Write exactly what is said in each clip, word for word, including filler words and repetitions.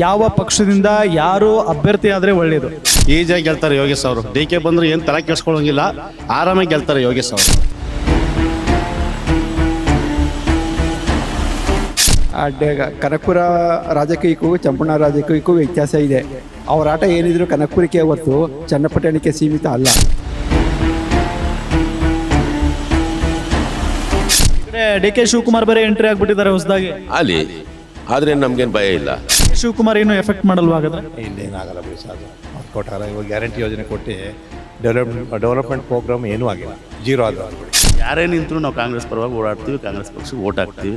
ಯಾವ ಪಕ್ಷದಿಂದ ಯಾರು ಅಭ್ಯರ್ಥಿ ಆದರೆ ಒಳ್ಳೆಯದು? ಈಜಿಯಾಗಿ ಗೆಲ್ತಾರೆ ಯೋಗೇಶ್ ಅವರು. ಡಿ ಕೆ ಬಂದ್ರೆ ಏನು ತಲೆ ಕೆಡಿಸ್ಕೊಳ್ಳೋಂಗಿಲ್ಲ, ಆರಾಮಾಗಿ ಗೆಲ್ತಾರೆ ಯೋಗೇಶ್ ಅವರು. ಕನಕಪುರ ರಾಜಕೀಯಕ್ಕೂ ಚಂಪಣ್ಣ ರಾಜಕೀಯಕ್ಕೂ ವ್ಯತ್ಯಾಸ ಇದೆ. ಅವರ ಆಟ ಏನಿದ್ರು ಕನಕಪುರಕ್ಕೆ ಹೊರತು ಚನ್ನಪಟ್ಟಣಕ್ಕೆ ಸೀಮಿತ ಅಲ್ಲ. ಡಿ ಕೆ ಶಿವಕುಮಾರ್ ಬೇರೆ ಎಂಟ್ರಿ ಆಗ್ಬಿಟ್ಟಿದ್ದಾರೆ ಹೊಸದಾಗಿ ಅಲ್ಲಿ. ಆದರೆ ನಮ್ಗೇನು ಭಯ ಇಲ್ಲ. ಶಿವಕುಮಾರ್ ಏನು ಎಫೆಕ್ಟ್ ಮಾಡಲ್ವಾ ಹಾಗಾದ್ರೆ? ಇಲ್ಲೇನಾಗಲ್ಲ ಬಿಡಿ ಸಾಕು. ಅವ್ರು ಕೊಟ್ಟಾರ, ಇವಾಗ ಗ್ಯಾರಂಟಿ ಯೋಜನೆ ಕೊಟ್ಟು ಡೆವಲಪ್ಮೆಂಟ್ ಡೆವಲಪ್ಮೆಂಟ್ ಪ್ರೋಗ್ರಾಮ್ ಏನೂ ಆಗಿಲ್ಲ, ಜೀರೋ ಆದ. ಯಾರೇ ನಿಂತರೂ ನಾವು ಕಾಂಗ್ರೆಸ್ ಪರವಾಗಿ ಓಡಾಡ್ತೀವಿ, ಕಾಂಗ್ರೆಸ್ ಪಕ್ಷಕ್ಕೆ ಓಟ್ ಹಾಕ್ತೀವಿ.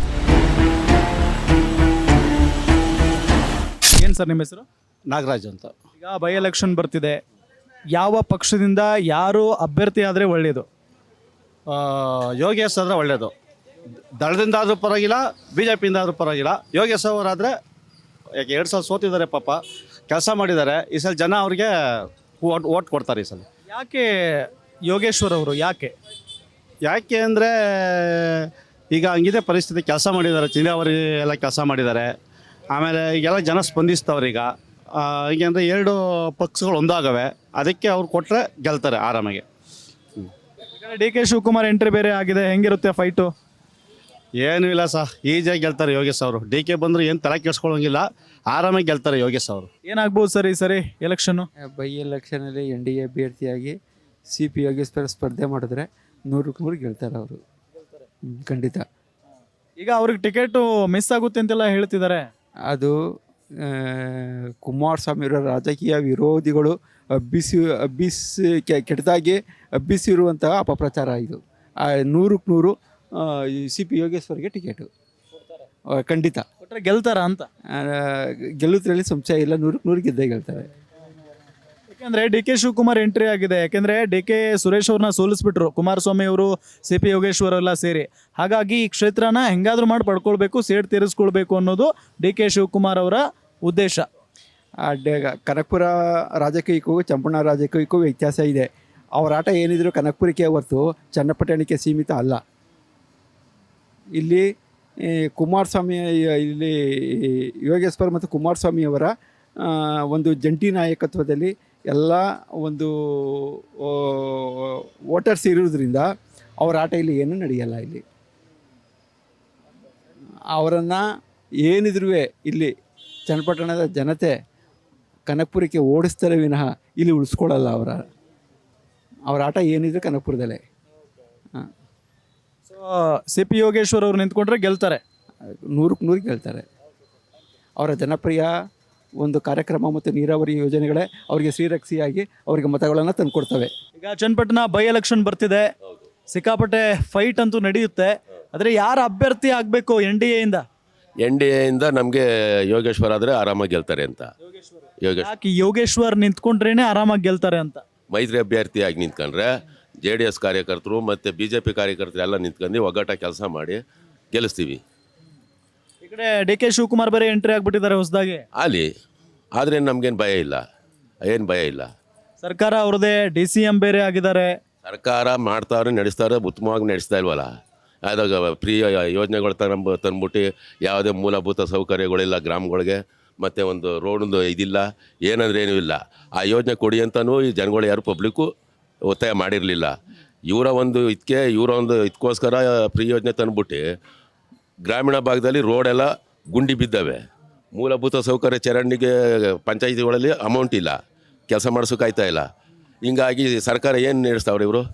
ಏನು ಸರ್ ನಿಮ್ಮ ಹೆಸರು? ನಾಗರಾಜ್ ಅಂತ. ಈಗ ಬೈ ಎಲೆಕ್ಷನ್ ಬರ್ತಿದೆ, ಯಾವ ಪಕ್ಷದಿಂದ ಯಾರು ಅಭ್ಯರ್ಥಿ ಆದರೆ ಒಳ್ಳೆಯದು? ಯೋಗೇಶ್ ಆದರೆ ಒಳ್ಳೆಯದು. ದಳದಿಂದ ಆದರೂ ಪರವಾಗಿಲ್ಲ, ಬಿ ಜೆ ಪಿಯಿಂದ ಆದರೂ ಪರವಾಗಿಲ್ಲ. ಯೋಗೇಶ್ ಅವರಾದರೆ ಯಾಕೆ ಎರಡು ಸಲ ಸೋತಿದ್ದಾರೆ, ಪಾಪ ಕೆಲಸ ಮಾಡಿದ್ದಾರೆ. ಈ ಸಲ ಜನ ಅವ್ರಿಗೆ ಓಟ್ ಓಟ್ ಕೊಡ್ತಾರೆ ಈ ಸಲ. ಯಾಕೆ ಯೋಗೇಶ್ವರ್ ಅವರು ಯಾಕೆ ಯಾಕೆ ಅಂದರೆ ಈಗ ಹಂಗಿದೆ ಪರಿಸ್ಥಿತಿ. ಕೆಲಸ ಮಾಡಿದ್ದಾರೆ, ಚಿಂದಾವರಿ ಎಲ್ಲ ಕೆಲಸ ಮಾಡಿದ್ದಾರೆ. ಆಮೇಲೆ ಈಗೆಲ್ಲ ಜನ ಸ್ಪಂದಿಸ್ತವ್ರೆ ಈಗ. ಹೀಗೆ ಅಂದರೆ ಎರಡು ಪಕ್ಷಗಳು ಒಂದಾಗವೆ, ಅದಕ್ಕೆ ಅವ್ರು ಕೊಟ್ಟರೆ ಗೆಲ್ತಾರೆ ಆರಾಮಾಗಿ. ಡಿ ಕೆ ಶಿವಕುಮಾರ್ ಎಂಟ್ರಿ ಬೇರೆ ಆಗಿದೆ, ಹೆಂಗಿರುತ್ತೆ ಫೈಟು? ಏನೂ ಇಲ್ಲ ಸರ್, ಈಜಿಯಾಗಿ ಗೆಲ್ತಾರೆ ಯೋಗೇಶ್ ಅವರು. ಡಿ ಕೆ ಬಂದರೆ ಏನು ತಲೆ ಕೆಡಿಸ್ಕೊಳ್ಳೋಂಗಿಲ್ಲ, ಆರಾಮಾಗಿ ಗೆಲ್ತಾರೆ ಯೋಗೇಶ್ ಅವರು. ಏನಾಗ್ಬೋದು ಸರ್ ಈ ಸರಿ ಎಲೆಕ್ಷನ್ನು? ಬೈ ಎಲೆಕ್ಷನಲ್ಲಿ ಎನ್ ಡಿ ಎ ಅಭ್ಯರ್ಥಿಯಾಗಿ ಸಿ ಪಿ ಯೋಗೇಶ್ವರ ಸ್ಪರ್ಧೆ ಮಾಡಿದ್ರೆ ನೂರಕ್ಕೆ ನೂರು ಗೆಲ್ತಾರೆ ಅವರು, ಖಂಡಿತ. ಈಗ ಅವ್ರಿಗೆ ಟಿಕೆಟು ಮಿಸ್ ಆಗುತ್ತೆ ಅಂತೆಲ್ಲ ಹೇಳ್ತಿದ್ದಾರೆ. ಅದು ಕುಮಾರಸ್ವಾಮಿಯವರ ರಾಜಕೀಯ ವಿರೋಧಿಗಳು ಹಬ್ಬಿಸಿ ಹಬ್ಬಿಸಿ ಕೆಟ್ಟದಾಗಿ ಹಬ್ಬಿಸಿರುವಂತಹ ಅಪಪ್ರಚಾರ ಇದು. ನೂರಕ್ಕೆ ನೂರು ಸಿ ಪಿ ಯೋಗೇಶ್ವರ್ಗೆ ಟಿಕೆಟು ಖಂಡಿತ ಕೊಟ್ಟರೆ ಗೆಲ್ತಾರ ಅಂತ. ಗೆಲ್ಲುದ್ರಲ್ಲಿ ಸಂಶಯ ಇಲ್ಲ, ನೂರಕ್ಕೆ ನೂರು ಗೆದ್ದೇ ಗೆಲ್ತಾರೆ. ಯಾಕೆಂದರೆ ಡಿ ಕೆ ಶಿವಕುಮಾರ್ ಎಂಟ್ರಿ ಆಗಿದೆ. ಯಾಕೆಂದರೆ ಡಿ ಕೆ ಸುರೇಶ್ ಅವ್ರನ್ನ ಸೋಲಿಸ್ಬಿಟ್ರು ಕುಮಾರಸ್ವಾಮಿ ಅವರು, ಸಿ ಪಿ ಯೋಗೇಶ್ವರ್ ಎಲ್ಲ ಸೇರಿ. ಹಾಗಾಗಿ ಈ ಕ್ಷೇತ್ರನ ಹೆಂಗಾದ್ರೂ ಮಾಡಿ ಪಡ್ಕೊಳ್ಬೇಕು, ಸೇಡ್ ತೀರಿಸ್ಕೊಳ್ಬೇಕು ಅನ್ನೋದು ಡಿ ಕೆ ಶಿವಕುಮಾರ್ ಅವರ ಉದ್ದೇಶ. ಕನಕಪುರ ರಾಜಕೀಯಕ್ಕೂ ಚಂಪಣ್ಣ ರಾಜಕೀಯಕ್ಕೂ ವ್ಯತ್ಯಾಸ ಇದೆ. ಅವರ ಆಟ ಏನಿದ್ರು ಕನಕಪುರಕ್ಕೆ ಹೊರತು ಚನ್ನಪಟ್ಟಣಕ್ಕೆ ಸೀಮಿತ ಅಲ್ಲ. ಇಲ್ಲಿ ಕುಮಾರಸ್ವಾಮಿ, ಇಲ್ಲಿ ಯೋಗೇಶ್ವರ್ ಮತ್ತು ಕುಮಾರಸ್ವಾಮಿಯವರ ಒಂದು ಜಂಟಿ ನಾಯಕತ್ವದಲ್ಲಿ ಎಲ್ಲ ಒಂದು ವೋಟರ್ಸ್ ಇರೋದ್ರಿಂದ ಅವರ ಆಟ ಇಲ್ಲಿ ಏನೂ ನಡೆಯಲ್ಲ. ಇಲ್ಲಿ ಅವರನ್ನು ಏನಿದ್ರೂ ಇಲ್ಲಿ ಚನ್ನಪಟ್ಟಣದ ಜನತೆ ಕನಕಪುರಕ್ಕೆ ಓಡಿಸ್ತಾರೆ ವಿನಃ ಇಲ್ಲಿ ಉಳಿಸ್ಕೊಳ್ಳಲ್ಲ. ಅವರ ಅವರ ಆಟ ಏನಿದ್ರು ಕನಕಪುರದಲ್ಲೇ. ಹಾಂ, ಸೊ ಸಿ ಪಿ ಯೋಗೇಶ್ವರ್ ಅವರು ನಿಂತ್ಕೊಂಡ್ರೆ ಗೆಲ್ತಾರೆ, ನೂರಕ್ಕೆ ನೂರು ಗೆಲ್ತಾರೆ. ಅವರ ಜನಪ್ರಿಯ ಒಂದು ಕಾರ್ಯಕ್ರಮ ಮತ್ತು ನೀರಾವರಿ ಯೋಜನೆಗಳೇ ಅವರಿಗೆ ಶ್ರೀರಕ್ಷಿಯಾಗಿ ಅವರಿಗೆ ಮತಗಳನ್ನು ತಂದುಕೊಡ್ತವೆ. ಈಗ ಚನ್ನಪಟ್ಟಣ ಬೈ ಎಲೆಕ್ಷನ್ ಬರ್ತಿದೆ, ಸಿಕ್ಕಾಪಟ್ಟೆ ಫೈಟ್ ಅಂತೂ ನಡೆಯುತ್ತೆ. ಆದರೆ ಯಾರು ಅಭ್ಯರ್ಥಿ ಆಗಬೇಕು ಎನ್ ಡಿ ಎಯಿಂದ? ಎನ್ ಡಿ ಎಯಿಂದ ನಮಗೆ ಯೋಗೇಶ್ವರ್ ಆದರೆ ಆರಾಮಾಗಿ ಗೆಲ್ತಾರೆ ಅಂತ. ಯೋಗೇಶ್ ಯಾಕೆ ಯೋಗೇಶ್ವರ್ ನಿಂತ್ಕೊಂಡ್ರೇನೆ ಆರಾಮಾಗಿ ಗೆಲ್ತಾರೆ ಅಂತ? ಮೈತ್ರಿ ಅಭ್ಯರ್ಥಿಯಾಗಿ ನಿಂತ್ಕೊಂಡ್ರೆ ಜೆ ಡಿ ಎಸ್ ಕಾರ್ಯಕರ್ತರು ಮತ್ತು ಬಿ ಜೆ ಪಿ ಕಾರ್ಯಕರ್ತರು ಎಲ್ಲ ನಿಂತ್ಕೊಂಡು ಒಗ್ಗಟ್ಟಾಗಿ ಕೆಲಸ ಮಾಡಿ ಗೆಲ್ಲಿಸ್ತೀವಿ. ಈ ಕಡೆ ಡಿ ಕೆ ಶಿವಕುಮಾರ್ ಬೇರೆ ಎಂಟ್ರಿ ಆಗ್ಬಿಟ್ಟಿದ್ದಾರೆ ಹೊಸದಾಗಿ. ಅಲ್ಲಿ. ಆದರೆ ನಮ್ಗೇನು ಭಯ ಇಲ್ಲ, ಏನು ಭಯ ಇಲ್ಲ. ಸರ್ಕಾರ ಅವ್ರದೇ, ಡಿ ಸಿ ಎಂ ಬೇರೆ ಆಗಿದ್ದಾರೆ. ಸರ್ಕಾರ ಮಾಡ್ತಾವ್ರೆ, ನಡೆಸ್ತಾರೆ, ಉತ್ತಮವಾಗಿ ನಡೆಸ್ತಾ ಇಲ್ವಲ್ಲ. ಅದಾಗ ಫ್ರೀ ಯೋಜನೆಗಳು ತಂಬ ತಂದ್ಬಿಟ್ಟು ಯಾವುದೇ ಮೂಲಭೂತ ಸೌಕರ್ಯಗಳಿಲ್ಲ ಗ್ರಾಮಗಳಿಗೆ, ಮತ್ತು ಒಂದು ರೋಡೊಂದು ಇದಿಲ್ಲ, ಏನಂದ್ರೆ ಏನೂ ಇಲ್ಲ. ಆ ಯೋಜನೆ ಕೊಡಿ ಅಂತಲೂ ಈ ಜನಗಳು ಯಾರು ಪಬ್ಲಿಕ್ಕು ಒತ್ತಾಯ ಮಾಡಿರಲಿಲ್ಲ. ಇವರ ಒಂದು ಇದಕ್ಕೆ ಇವರ ಒಂದು ಇದಕ್ಕೋಸ್ಕರ ಫ್ರೀ ಯೋಜನೆ ತಂದ್ಬಿಟ್ಟು ಗ್ರಾಮೀಣ ಭಾಗದಲ್ಲಿ ರೋಡೆಲ್ಲ ಗುಂಡಿ ಬಿದ್ದಾವೆ. ಮೂಲಭೂತ ಸೌಕರ್ಯ ಚರಂಡಿಗೆ ಪಂಚಾಯಿತಿಗಳಲ್ಲಿ ಅಮೌಂಟ್ ಇಲ್ಲ, ಕೆಲಸ ಮಾಡಿಸೋಕ್ಕಾಯ್ತಾ ಇಲ್ಲ. ಹಿಂಗಾಗಿ ಸರ್ಕಾರ ಏನು ನಡೆಸ್ತಾವ್ರೆ ಇವರು.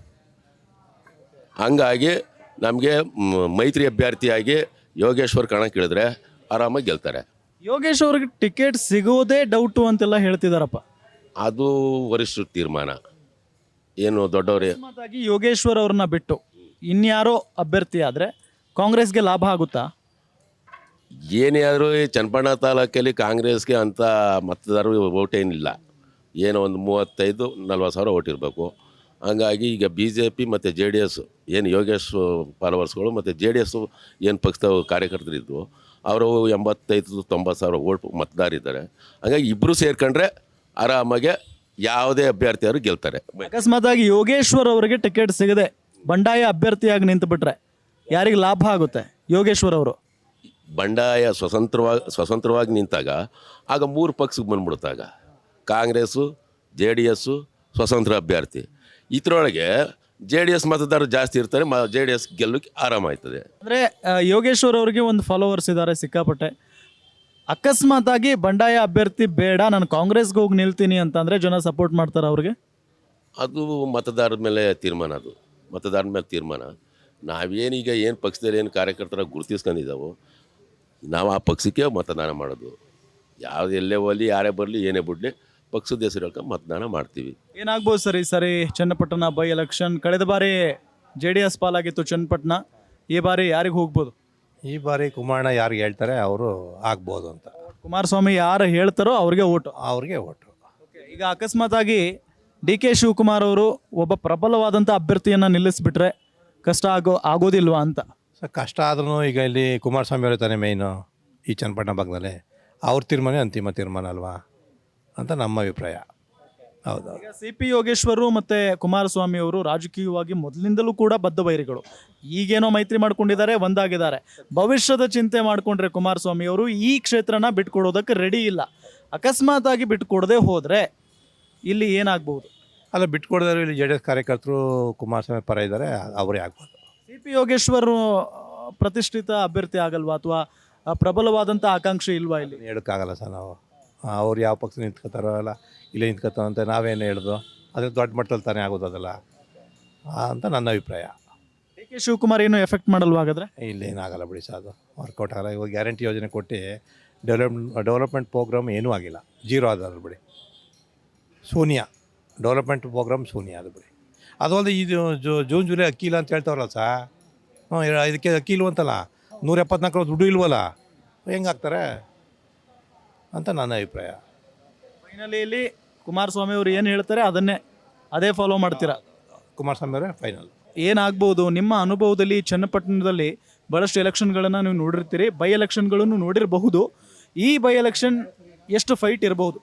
ಹಂಗಾಗಿ ನಮಗೆ ಮೈತ್ರಿ ಅಭ್ಯರ್ಥಿಯಾಗಿ ಯೋಗೇಶ್ವರ್ ಕಣಕ್ಕಿಳಿದ್ರೆ ಆರಾಮಾಗಿ ಗೆಲ್ತಾರೆ. ಯೋಗೇಶ್ ಅವ್ರಿಗೆ ಟಿಕೆಟ್ ಸಿಗೋದೇ ಡೌಟು ಅಂತೆಲ್ಲ ಹೇಳ್ತಿದಾರಪ್ಪ. ಅದು ವರಿಷ್ಠರ ತೀರ್ಮಾನ. ಏನು ದೊಡ್ಡವರೇ ಅಕಸ್ಮಾತಾಗಿ ಯೋಗೇಶ್ವರ್ ಅವ್ರನ್ನ ಬಿಟ್ಟು ಇನ್ಯಾರೋ ಅಭ್ಯರ್ಥಿ ಆದರೆ ಕಾಂಗ್ರೆಸ್ಗೆ ಲಾಭ ಆಗುತ್ತಾ? ಏನೇ ಆದರೂ ಈ ಚನ್ನಪಣ್ಣ ತಾಲೂಕಲ್ಲಿ ಕಾಂಗ್ರೆಸ್ಗೆ ಅಂಥ ಮತದಾರರು ಓಟ್ ಏನಿಲ್ಲ. ಏನೋ ಒಂದು ಮೂವತ್ತೈದು ನಲ್ವತ್ತು ಸಾವಿರ ಓಟ್ ಇರಬೇಕು. ಹಂಗಾಗಿ ಈಗ ಬಿ ಜೆ ಪಿ ಮತ್ತು ಜೆ ಡಿ ಎಸ್ ಏನು ಯೋಗೇಶ್ ಫಾಲೋವರ್ಸ್ಗಳು ಮತ್ತು ಜೆ ಡಿ ಎಸ್ಸು ಏನು ಪಕ್ಷದ ಕಾರ್ಯಕರ್ತರಿದ್ದರು ಅವರು ಎಂಬತ್ತೈದು ತೊಂಬತ್ತು ಸಾವಿರ ಓಟ್ ಮತದಾರಿದ್ದಾರೆ. ಹಾಗಾಗಿ ಇಬ್ಬರು ಸೇರ್ಕೊಂಡ್ರೆ ಆರಾಮಾಗೆ ಯಾವುದೇ ಅಭ್ಯರ್ಥಿಯವರು ಗೆಲ್ತಾರೆ. ಅಕಸ್ಮಾತಾಗಿ ಯೋಗೇಶ್ವರ್ ಅವರಿಗೆ ಟಿಕೆಟ್ ಸಿಗದೆ ಬಂಡಾಯ ಅಭ್ಯರ್ಥಿಯಾಗಿ ನಿಂತು ಬಿಟ್ರೆ ಯಾರಿಗೆ ಲಾಭ ಆಗುತ್ತೆ? ಯೋಗೇಶ್ವರ್ ಅವರು ಬಂಡಾಯ ಸ್ವತಂತ್ರವಾಗಿ ಸ್ವತಂತ್ರವಾಗಿ ನಿಂತಾಗ ಆಗ ಮೂರು ಪಕ್ಷಕ್ಕೆ ಬಂದ್ಬಿಡ್ತಾಗ ಕಾಂಗ್ರೆಸ್ಸು ಜೆ ಡಿ ಎಸ್ಸು ಸ್ವತಂತ್ರ ಅಭ್ಯರ್ಥಿ. ಇದರೊಳಗೆ ಜೆ ಡಿ ಎಸ್ ಮತದಾರರು ಜಾಸ್ತಿ ಇರ್ತಾರೆ, ಮ ಜೆ ಡಿ ಎಸ್ ಗೆಲ್ಲಕ್ಕೆ ಆರಾಮಾಯ್ತದೆ. ಅಂದರೆ ಯೋಗೇಶ್ವರ್ ಅವರಿಗೆ ಒಂದು ಫಾಲೋವರ್ಸ್ ಇದ್ದಾರೆ ಸಿಕ್ಕಾಪಟ್ಟೆ. ಅಕಸ್ಮಾತಾಗಿ ಬಂಡಾಯ ಅಭ್ಯರ್ಥಿ ಬೇಡ, ನಾನು ಕಾಂಗ್ರೆಸ್ಗೆ ಹೋಗಿ ನಿಲ್ತೀನಿ ಅಂತಂದರೆ ಜನ ಸಪೋರ್ಟ್ ಮಾಡ್ತಾರೆ ಅವ್ರಿಗೆ. ಅದು ಮತದಾರರ ಮೇಲೆ ತೀರ್ಮಾನ, ಅದು ಮತದಾರರ ಮೇಲೆ ತೀರ್ಮಾನ. ನಾವೇನೀಗ ಏನು ಪಕ್ಷದಲ್ಲಿ ಏನು ಕಾರ್ಯಕರ್ತರ ಗುರುತಿಸ್ಕೊಂಡಿದ್ದಾವೋ ನಾವು ಆ ಪಕ್ಷಕ್ಕೆ ಮತದಾನ ಮಾಡೋದು. ಯಾವುದು ಎಲ್ಲೇ ಹೋಗಲಿ, ಯಾರೇ ಬರಲಿ, ಏನೇ ಬಿಡಲಿ, ಪಕ್ಷದ ಹೆಸರು ಹೇಳ್ಕೊಂಡು ಮತದಾನ ಮಾಡ್ತೀವಿ. ಏನಾಗ್ಬೋದು ಸರ್ ಈ ಸರಿ ಚನ್ನಪಟ್ಟಣ ಬೈ ಎಲೆಕ್ಷನ್? ಕಳೆದ ಬಾರಿ ಜೆ ಡಿ ಎಸ್ ಪಾಲಾಗಿತ್ತು ಚನ್ನಪಟ್ಟಣ, ಈ ಬಾರಿ ಯಾರಿಗೆ ಹೋಗ್ಬೋದು? ಈ ಬಾರಿ ಕುಮಾರಣ್ಣ ಯಾರಿಗೆ ಹೇಳ್ತಾರೆ ಅವರು ಆಗ್ಬೋದು ಅಂತ. ಕುಮಾರಸ್ವಾಮಿ ಯಾರು ಹೇಳ್ತಾರೋ ಅವ್ರಿಗೆ ಓಟು. ಅವ್ರಿಗೆ ಓಟು. ಈಗ ಅಕಸ್ಮಾತಾಗಿ ಡಿ ಕೆ ಶಿವಕುಮಾರ್ ಅವರು ಒಬ್ಬ ಪ್ರಬಲವಾದಂಥ ಅಭ್ಯರ್ಥಿಯನ್ನು ನಿಲ್ಲಿಸ್ಬಿಟ್ರೆ ಕಷ್ಟ ಆಗೋ ಆಗೋದಿಲ್ವಾ ಅಂತ? ಸೊ ಕಷ್ಟ ಆದ್ರೂ ಈಗ ಇಲ್ಲಿ ಕುಮಾರಸ್ವಾಮಿ ಅವರೇ ತಾನೇ ಮೇಯ್ನು ಈ ಚನ್ನಪಟ್ಟಣ ಭಾಗದಲ್ಲಿ. ಅವ್ರ ತೀರ್ಮಾನ ಅಂತಿಮ ತೀರ್ಮಾನ ಅಲ್ವಾ ಅಂತ ನಮ್ಮ ಅಭಿಪ್ರಾಯ. ಹೌದು. ಈಗ ಸಿ ಪಿ ಯೋಗೇಶ್ವರು ಮತ್ತು ಕುಮಾರಸ್ವಾಮಿ ಅವರು ರಾಜಕೀಯವಾಗಿ ಮೊದಲಿಂದಲೂ ಕೂಡ ಬದ್ಧ ಬೈರಿಗಳು. ಈಗೇನೋ ಮೈತ್ರಿ ಮಾಡ್ಕೊಂಡಿದ್ದಾರೆ, ಒಂದಾಗಿದ್ದಾರೆ. ಭವಿಷ್ಯದ ಚಿಂತೆ ಮಾಡಿಕೊಂಡ್ರೆ ಕುಮಾರಸ್ವಾಮಿ ಅವರು ಈ ಕ್ಷೇತ್ರನ ಬಿಟ್ಕೊಡೋದಕ್ಕೆ ರೆಡಿ ಇಲ್ಲ. ಅಕಸ್ಮಾತಾಗಿ ಬಿಟ್ಕೊಡದೆ ಹೋದರೆ ಇಲ್ಲಿ ಏನಾಗ್ಬೋದು? ಅಲ್ಲ, ಬಿಟ್ಕೊಡಿದ್ರೆ ಇಲ್ಲಿ ಜೆ ಡಿ ಎಸ್ ಕಾರ್ಯಕರ್ತರು ಕುಮಾರಸ್ವಾಮಿ ಪರ ಇದ್ದಾರೆ, ಅವರೇ ಆಗ್ಬೋದು. ಸಿ ಪಿ ಯೋಗೇಶ್ವರು ಪ್ರತಿಷ್ಠಿತ ಅಭ್ಯರ್ಥಿ ಆಗಲ್ವಾ, ಅಥವಾ ಪ್ರಬಲವಾದಂಥ ಆಕಾಂಕ್ಷೆ ಇಲ್ವಾ ಇಲ್ಲಿ? ಹೇಳೋಕ್ಕಾಗಲ್ಲ ಸರ್ ನಾವು. ಅವ್ರು ಯಾವ ಪಕ್ಷ ನಿಂತ್ಕೋತಾರೋ ಅಲ್ಲ ಇಲ್ಲೇ ನಿಂತ್ಕೋತಾರೋ ಅಂತ ನಾವೇನು ಹೇಳ್ದು, ಅದ್ರ ದೊಡ್ಡ ಮಟ್ಟದಲ್ಲಿ ತಾನೇ ಆಗೋದು ಅದಲ್ಲ ಅಂತ ನನ್ನ ಅಭಿಪ್ರಾಯ. ಡಿ ಕೆ ಶಿವಕುಮಾರ್ ಏನು ಎಫೆಕ್ಟ್ ಮಾಡಲ್ವಾ ಹಾಗಾದ್ರೆ? ಇಲ್ಲೇನಾಗಲ್ಲ ಬಿಡಿ ಸರ್, ಅದು ವರ್ಕೌಟ್ ಆಗಲ್ಲ. ಇವಾಗ ಗ್ಯಾರಂಟಿ ಯೋಜನೆ ಕೊಟ್ಟು ಡೆವಲಪ್ ಡೆವಲಪ್ಮೆಂಟ್ ಪ್ರೋಗ್ರಾಮ್ ಏನೂ ಆಗಿಲ್ಲ, ಜೀರೋ ಆದದ್ದು ಬಿಡಿ. ಶೂನ್ಯ ಡೆವಲಪ್ಮೆಂಟ್ ಪ್ರೋಗ್ರಾಮ್ ಶೂನ್ಯ ಅದು ಬಿಡಿ. ಅದೊಂದು ಇದು ಜೂನ್ ಜುಲೈ ಅಕ್ಕಿ ಇಲ್ಲ ಅಂತ ಹೇಳ್ತಾರಲ್ಲ ಸಾ, ಹ್ಞೂ ಇದಕ್ಕೆ ಅಕ್ಕಿ ಇಲ್ವಂತಲ್ಲ, ನೂರ ಎಪ್ಪತ್ನಾಲ್ಕು ದುಡ್ಡು ಇಲ್ವಲ್ಲ, ಹೆಂಗಾಗ್ತಾರೆ ಅಂತ ನನ್ನ ಅಭಿಪ್ರಾಯ. ಫೈನಲಿ ಇಲ್ಲಿ ಕುಮಾರಸ್ವಾಮಿ ಅವರು ಏನು ಹೇಳ್ತಾರೆ ಅದನ್ನೇ ಅದೇ ಫಾಲೋ ಮಾಡ್ತೀರಾ? ಕುಮಾರಸ್ವಾಮಿ ಅವರೇ ಫೈನಲ್. ಏನಾಗ್ಬೋದು ನಿಮ್ಮ ಅನುಭವದಲ್ಲಿ? ಚನ್ನಪಟ್ಟಣದಲ್ಲಿ ಭಾಳಷ್ಟು ಎಲೆಕ್ಷನ್ಗಳನ್ನು ನೀವು ನೋಡಿರ್ತೀರಿ, ಬೈ ಎಲೆಕ್ಷನ್ಗಳನ್ನು ನೋಡಿರಬಹುದು. ಈ ಬೈ ಎಲೆಕ್ಷನ್ ಎಷ್ಟು ಫೈಟ್ ಇರಬಹುದು?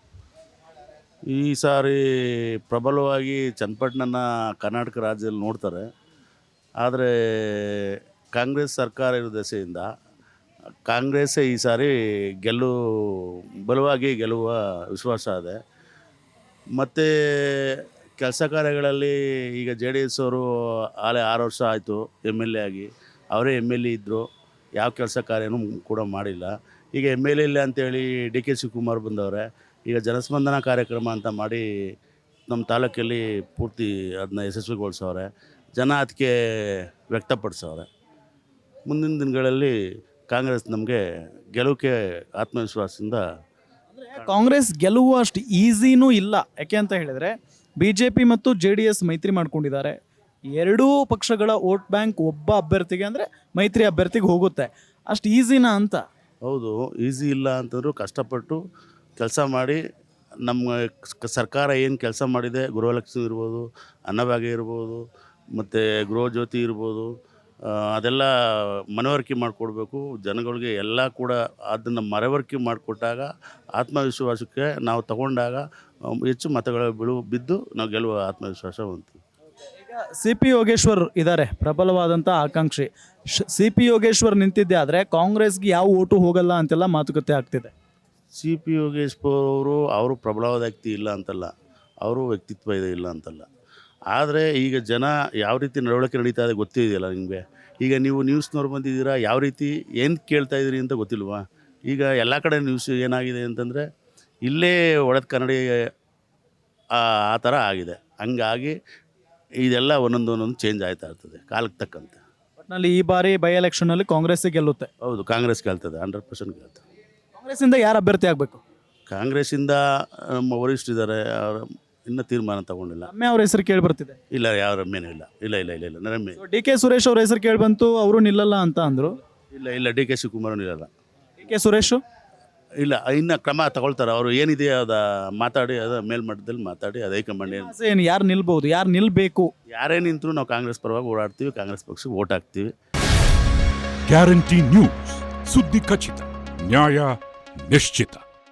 ಈ ಸಾರಿ ಪ್ರಬಲವಾಗಿ ಚನ್ನಪಟ್ಟಣನ ಕರ್ನಾಟಕ ರಾಜ್ಯದಲ್ಲಿ ನೋಡ್ತಾರೆ. ಆದರೆ ಕಾಂಗ್ರೆಸ್ ಸರ್ಕಾರ ಇರೋ ದೆಸೆಯಿಂದ ಕಾಂಗ್ರೆಸ್ಸೇ ಈ ಸಾರಿ ಗೆಲ್ಲು ಬಲವಾಗಿ ಗೆಲ್ಲುವ ವಿಶ್ವಾಸ ಇದೆ. ಮತ್ತು ಕೆಲಸ ಕಾರ್ಯಗಳಲ್ಲಿ ಈಗ ಜೆ ಡಿ ಎಸ್ ಅವರು ಆಲೆ ಆರು ವರ್ಷ ಆಯಿತು ಎಮ್ ಎಲ್ ಎ ಆಗಿ, ಅವರೇ ಎಮ್ ಎಲ್ ಎ ಇದ್ದರು, ಯಾವ ಕೆಲಸ ಕಾರ್ಯನೂ ಕೂಡ ಮಾಡಿಲ್ಲ. ಈಗ ಎಮ್ ಎಲ್ ಎ ಇಲ್ಲ ಅಂತೇಳಿ ಡಿ ಕೆ ಶಿವಕುಮಾರ್ ಬಂದವರೆ. ಈಗ ಜನಸ್ಪಂದನ ಕಾರ್ಯಕ್ರಮ ಅಂತ ಮಾಡಿ ನಮ್ಮ ತಾಲೂಕಲ್ಲಿ ಪೂರ್ತಿ ಅದನ್ನ ಯಶಸ್ವಿಗೊಳಿಸವ್ರೆ. ಜನ ಅದಕ್ಕೆ ವ್ಯಕ್ತಪಡಿಸವ್ರೆ. ಮುಂದಿನ ದಿನಗಳಲ್ಲಿ ಕಾಂಗ್ರೆಸ್ ನಮಗೆ ಗೆಲುವಿಗೆ ಆತ್ಮವಿಶ್ವಾಸದಿಂದ. ಕಾಂಗ್ರೆಸ್ ಗೆಲುವು ಅಷ್ಟು ಈಸಿನೂ ಇಲ್ಲ. ಯಾಕೆ ಅಂತ ಹೇಳಿದರೆ ಬಿ ಜೆ ಪಿ ಮತ್ತು ಜೆ ಡಿ ಎಸ್ ಮೈತ್ರಿ ಮಾಡ್ಕೊಂಡಿದ್ದಾರೆ. ಎರಡೂ ಪಕ್ಷಗಳ ವೋಟ್ ಬ್ಯಾಂಕ್ ಒಬ್ಬ ಅಭ್ಯರ್ಥಿಗೆ ಅಂದರೆ ಮೈತ್ರಿ ಅಭ್ಯರ್ಥಿಗೆ ಹೋಗುತ್ತೆ. ಅಷ್ಟು ಈಸಿನಾ ಅಂತ? ಹೌದು, ಈಸಿ ಇಲ್ಲ ಅಂತಂದರೂ ಕಷ್ಟಪಟ್ಟು ಕೆಲಸ ಮಾಡಿ ನಮ್ಮ ಸರ್ಕಾರ ಏನು ಕೆಲಸ ಮಾಡಿದೆ, ಗೃಹಲಕ್ಷ್ಮಿ ಇರ್ಬೋದು, ಅನ್ನಭಾಗ್ಯ ಇರ್ಬೋದು, ಮತ್ತು ಗೃಹ ಜ್ಯೋತಿ ಇರ್ಬೋದು, ಅದೆಲ್ಲ ಮನವರಿಕೆ ಮಾಡಿಕೊಡ್ಬೇಕು ಜನಗಳಿಗೆ. ಎಲ್ಲ ಕೂಡ ಅದನ್ನು ಮನವರಿಕೆ ಮಾಡಿಕೊಟ್ಟಾಗ ಆತ್ಮವಿಶ್ವಾಸಕ್ಕೆ ನಾವು ತಗೊಂಡಾಗ ಹೆಚ್ಚು ಮತಗಳ ಬಿಳು ಬಿದ್ದು ನಾವು ಗೆಲ್ಲುವ ಆತ್ಮವಿಶ್ವಾಸ ಬಂತು. ಈಗ ಸಿ ಪಿ ಯೋಗೇಶ್ವರ್ ಇದ್ದಾರೆ, ಪ್ರಬಲವಾದಂಥ ಆಕಾಂಕ್ಷಿ. ಸಿ ಪಿ ಯೋಗೇಶ್ವರ್ ನಿಂತಿದ್ದೆ ಆದರೆ ಕಾಂಗ್ರೆಸ್ಗೆ ಯಾವ ಓಟು ಹೋಗಲ್ಲ ಅಂತೆಲ್ಲ ಮಾತುಕತೆ ಆಗ್ತಿದೆ. ಸಿ ಪಿ ಯೋಗೇಶ್ವರ್ ಅವರು ಅವರು ಪ್ರಬಲವಾದ ವ್ಯಕ್ತಿ ಇಲ್ಲ ಅಂತಲ್ಲ, ಅವರು ವ್ಯಕ್ತಿತ್ವ ಇದೆ ಇಲ್ಲ ಅಂತಲ್ಲ. ಆದರೆ ಈಗ ಜನ ಯಾವ ರೀತಿ ನಡವಳಿಕೆ ನಡೀತಾ ಇದೆ ಗೊತ್ತಿದೆಯಲ್ಲ ನಿಮಗೆ. ಈಗ ನೀವು ನ್ಯೂಸ್ನವ್ರು ಬಂದಿದ್ದೀರಾ, ಯಾವ ರೀತಿ ಏನು ಕೇಳ್ತಾ ಇದ್ದೀರಿ ಅಂತ ಗೊತ್ತಿಲ್ವಾ? ಈಗ ಎಲ್ಲ ಕಡೆ ನ್ಯೂಸ್ ಏನಾಗಿದೆ ಅಂತಂದರೆ ಇಲ್ಲೇ ಒಡೆದ ಕನ್ನಡಿ ಆ ಥರ ಆಗಿದೆ. ಹಂಗಾಗಿ ಇದೆಲ್ಲ ಒಂದೊಂದು ಒಂದೊಂದು ಚೇಂಜ್ ಆಯ್ತಾ ಇರ್ತದೆ ಕಾಲಕ್ಕೆ ತಕ್ಕಂತೆ. ಒಟ್ಟಿನಲ್ಲಿ ಈ ಬಾರಿ ಬೈ ಎಲೆಕ್ಷನಲ್ಲಿ ಕಾಂಗ್ರೆಸ್ಸೇ ಗೆಲ್ಲುತ್ತೆ. ಹೌದು, ಕಾಂಗ್ರೆಸ್ ಗೆಲ್ತದೆ, ಹಂಡ್ರೆಡ್ ಪರ್ಸೆಂಟ್ ಗೆಲ್ತದೆ. ಕಾಂಗ್ರೆಸ್ಸಿಂದ ಯಾರು ಅಭ್ಯರ್ಥಿ ಆಗಬೇಕು? ಕಾಂಗ್ರೆಸ್ಸಿಂದ ನಮ್ಮ ವರಿಷ್ಠರಿದ್ದಾರೆ, ಅವರು ಇನ್ನೂ ತೀರ್ಮಾನ ತಗೊಂಡಿಲ್ಲ. ರಮ್ಯಾ ಅವ್ರ ಹೆಸರು ಕೇಳಿ ಬರ್ತಿದೆ. ಇಲ್ಲ, ಯಾವ ರಮ್ಯನೂ ಇಲ್ಲ. ಇಲ್ಲ ಇಲ್ಲ ಇಲ್ಲ ಇಲ್ಲ ರಮ್ಯ. ಡಿ ಕೆ ಸುರೇಶ್ ಅವ್ರ ಹೆಸರು ಕೇಳಿ ಬಂತು, ಅವರು ನಿಲ್ಲಲ್ಲ ಅಂತ ಅಂದರು. ಇಲ್ಲ ಇಲ್ಲ ಡಿ ಕೆ ಶಿವಕುಮಾರ್ ನಿಲ್ಲಲ್ಲ. ಡಿ ಕೆ ಸುರೇಶು ಇಲ್ಲ, ಇನ್ನು ಕ್ರಮ ತಗೊಳ್ತಾರೆ. ಅವರು ಏನಿದೆ ಅದ ಮಾತಾಡಿ, ಅದ ಮೇಲ್ಮಟ್ಟದಲ್ಲಿ ಮಾತಾಡಿ, ಅದು ಹೈಕಮಾಂಡ್ ಏನು ಏನು ಯಾರು ನಿಲ್ಬಹುದು, ಯಾರು ನಿಲ್ಬೇಕು? ಯಾರೇ ನಿಂತರೂ ನಾವು ಕಾಂಗ್ರೆಸ್ ಪರವಾಗಿ ಓಡಾಡ್ತೀವಿ, ಕಾಂಗ್ರೆಸ್ ಪಕ್ಷಕ್ಕೆ ವೋಟ್ ಹಾಕ್ತೀವಿ. ಗ್ಯಾರಂಟಿ ನ್ಯೂಸ್, ಸುದ್ದಿ ಖಚಿತ, ನ್ಯಾಯ ನಿಶ್ಚಿತ.